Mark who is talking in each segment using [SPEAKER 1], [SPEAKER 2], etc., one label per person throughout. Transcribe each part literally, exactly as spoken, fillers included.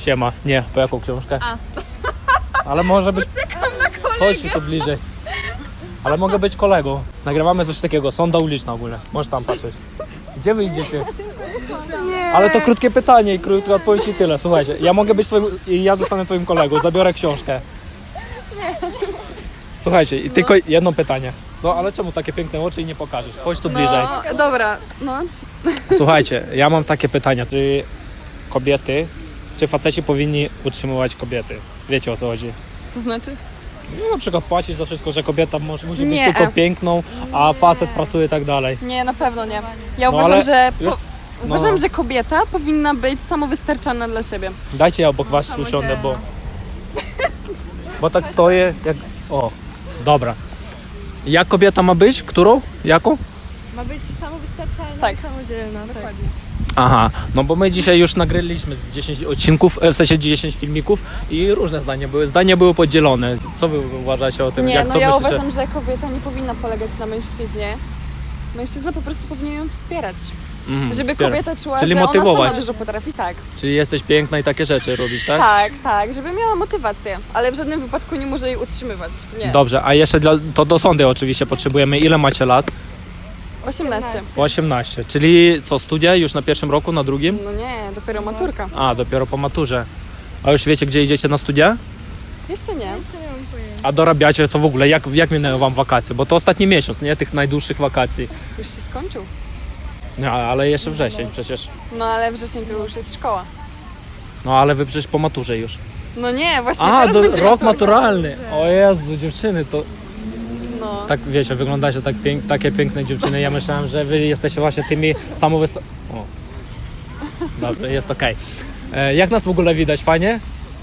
[SPEAKER 1] Siema. Nie, po jaką książkę?
[SPEAKER 2] A.
[SPEAKER 1] Ale może być...
[SPEAKER 2] Czekam na kolegę.
[SPEAKER 1] Chodź tu bliżej. Ale mogę być kolegą. Nagrywamy coś takiego, sonda uliczna ogólnie. Możesz tam patrzeć. Gdzie wy idziecie?
[SPEAKER 2] Nie.
[SPEAKER 1] Ale to krótkie pytanie i krótka odpowiedź i tyle. Słuchajcie, ja mogę być twoim... i ja zostanę twoim kolegą, zabiorę książkę. Słuchajcie, i tylko jedno pytanie. No ale czemu takie piękne oczy i nie pokażesz? Chodź tu bliżej.
[SPEAKER 2] No, dobra, no.
[SPEAKER 1] Słuchajcie, ja mam takie pytania. Czy kobiety, czy faceci powinni utrzymywać kobiety? Wiecie o co chodzi?
[SPEAKER 2] To znaczy?
[SPEAKER 1] No, na przykład płacić za wszystko, że kobieta może, musi być
[SPEAKER 2] Nie.
[SPEAKER 1] tylko piękną, a facet pracuje i tak dalej.
[SPEAKER 2] Nie, na pewno nie. Ja
[SPEAKER 1] No,
[SPEAKER 2] uważam,
[SPEAKER 1] ale
[SPEAKER 2] że po,
[SPEAKER 1] już- no.
[SPEAKER 2] uważam, że kobieta powinna być samowystarczalna dla siebie.
[SPEAKER 1] Dajcie ja obok was usiądę, bo... Bo tak stoję jak... O, dobra. Jak kobieta ma być? Którą? Jaką?
[SPEAKER 3] Ma być samowystarczalna
[SPEAKER 2] Tak.
[SPEAKER 3] i samodzielna. Dokładnie.
[SPEAKER 1] Aha, no bo my dzisiaj już nagraliśmy z dziesięć odcinków, e, w sensie dziesięć filmików i różne zdania były. Zdania były podzielone. Co wy uważacie o tym?
[SPEAKER 2] Nie,
[SPEAKER 1] Jak,
[SPEAKER 2] no
[SPEAKER 1] co
[SPEAKER 2] ja
[SPEAKER 1] myślicie?
[SPEAKER 2] uważam, że kobieta nie powinna polegać na mężczyźnie. Mężczyzna po prostu powinien ją wspierać.
[SPEAKER 1] Mhm,
[SPEAKER 2] Żeby
[SPEAKER 1] wspiera-
[SPEAKER 2] kobieta czuła,
[SPEAKER 1] Czyli
[SPEAKER 2] że
[SPEAKER 1] motywować.
[SPEAKER 2] ona sama dużo potrafi. Tak.
[SPEAKER 1] Czyli jesteś piękna i takie rzeczy robisz, tak?
[SPEAKER 2] Tak, tak, żeby miała motywację, ale w żadnym wypadku nie może jej utrzymywać. Nie.
[SPEAKER 1] Dobrze, a jeszcze dla, to do sądy oczywiście potrzebujemy. Ile macie lat?
[SPEAKER 2] osiemnaście.
[SPEAKER 1] osiemnaście. Czyli co, studia już na pierwszym roku, na drugim?
[SPEAKER 2] No nie, dopiero maturka.
[SPEAKER 1] A, dopiero po maturze. A już wiecie, gdzie idziecie na studia?
[SPEAKER 2] Jeszcze nie.
[SPEAKER 3] Jeszcze nie mam pojęcia.
[SPEAKER 1] A dorabiacie co w ogóle? Jak, jak minęły wam wakacje? Bo to ostatni miesiąc, nie? Tych najdłuższych wakacji.
[SPEAKER 2] Już się skończył.
[SPEAKER 1] No, ale jeszcze wrzesień przecież.
[SPEAKER 2] No ale wrzesień to już jest szkoła.
[SPEAKER 1] No, ale wy przecież po maturze już.
[SPEAKER 2] No nie, właśnie
[SPEAKER 1] A,
[SPEAKER 2] teraz
[SPEAKER 1] do,
[SPEAKER 2] będzie
[SPEAKER 1] rok
[SPEAKER 2] maturka.
[SPEAKER 1] maturalny. O Jezu, dziewczyny, to
[SPEAKER 2] No.
[SPEAKER 1] tak wiecie, wyglądacie tak pięk, takie piękne dziewczyny. Ja myślałem, że wy jesteście właśnie tymi samowysta... O. Dobrze, jest okej. E, Jak nas w ogóle widać? Fajnie?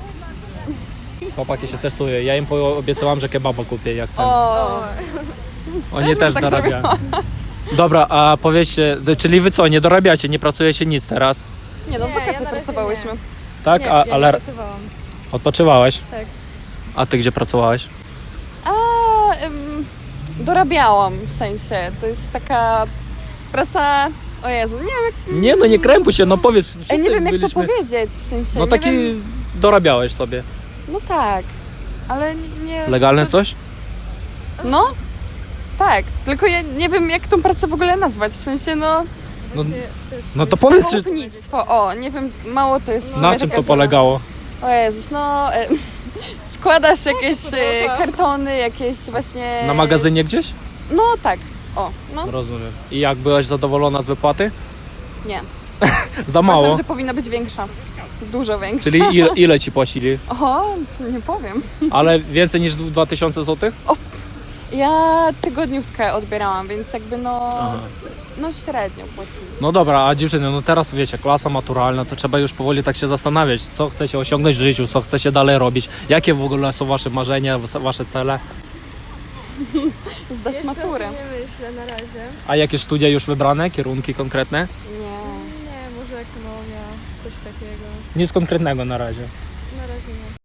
[SPEAKER 1] Chłopaki się stresują. Ja im obiecałam, że kebaba kupię, jak ten.
[SPEAKER 2] O,
[SPEAKER 1] Oni
[SPEAKER 2] też
[SPEAKER 1] też
[SPEAKER 2] bym tak
[SPEAKER 1] dorabiają. Dobra, a powiedzcie, czyli wy co, nie dorabiacie, nie pracujecie nic teraz?
[SPEAKER 2] nie no, w
[SPEAKER 3] Nie,
[SPEAKER 2] wakacje
[SPEAKER 3] ja na razie
[SPEAKER 2] pracowałyśmy.
[SPEAKER 1] Tak?
[SPEAKER 3] Nie,
[SPEAKER 1] a,
[SPEAKER 3] ja
[SPEAKER 1] ale
[SPEAKER 3] nie pracowałam.
[SPEAKER 1] odpoczywałeś?
[SPEAKER 3] Tak.
[SPEAKER 1] A ty gdzie pracowałeś?
[SPEAKER 2] A, ym, dorabiałam w sensie, to jest taka praca, o Jezu, nie wiem jak,
[SPEAKER 1] Nie no, nie krępuj się, no powiedz. Wszyscy
[SPEAKER 2] Ej, nie wiem jak
[SPEAKER 1] byliśmy...
[SPEAKER 2] to powiedzieć, w sensie,
[SPEAKER 1] No
[SPEAKER 2] nie
[SPEAKER 1] taki
[SPEAKER 2] wiem,
[SPEAKER 1] dorabiałeś sobie.
[SPEAKER 2] no tak, ale nie...
[SPEAKER 1] Legalne
[SPEAKER 2] to,
[SPEAKER 1] coś?
[SPEAKER 2] No, tak, tylko ja nie wiem jak tą pracę w ogóle nazwać, w sensie no,
[SPEAKER 1] No,
[SPEAKER 3] Właśnie też
[SPEAKER 1] no to powiedz, czy...
[SPEAKER 2] chłopnictwo, o, nie wiem, mało to jest... w
[SPEAKER 1] na
[SPEAKER 2] sumie
[SPEAKER 1] czym
[SPEAKER 2] taka
[SPEAKER 1] to polegało?
[SPEAKER 2] O Jezus, no... E, składasz jakieś e,
[SPEAKER 3] podoba.
[SPEAKER 2] kartony, jakieś właśnie...
[SPEAKER 1] Na magazynie gdzieś?
[SPEAKER 2] No tak, o, no,
[SPEAKER 1] Rozumiem. I jak byłaś zadowolona z wypłaty?
[SPEAKER 2] nie.
[SPEAKER 1] Za mało.
[SPEAKER 2] Uważam, że powinna być większa. Dużo większa.
[SPEAKER 1] Czyli ile, ile ci płacili?
[SPEAKER 2] O, nie powiem.
[SPEAKER 1] Ale więcej niż dwa tysiące złotych?
[SPEAKER 2] Ja tygodniówkę odbierałam, więc jakby no...
[SPEAKER 1] Aha.
[SPEAKER 2] No średnio płacili.
[SPEAKER 1] No dobra, a dziewczyny, no teraz wiecie, klasa maturalna, to trzeba już powoli tak się zastanawiać, co chcecie osiągnąć w życiu, co chcecie dalej robić, jakie w ogóle są wasze marzenia, wasze cele,
[SPEAKER 2] Zdać
[SPEAKER 3] Jeszcze
[SPEAKER 2] maturę.
[SPEAKER 3] o tym nie myślę na razie.
[SPEAKER 1] a jakie studia już wybrane, kierunki konkretne?
[SPEAKER 2] Nie.
[SPEAKER 3] Nie, może ekonomia, coś takiego.
[SPEAKER 1] Nic konkretnego na razie.
[SPEAKER 3] Na razie nie.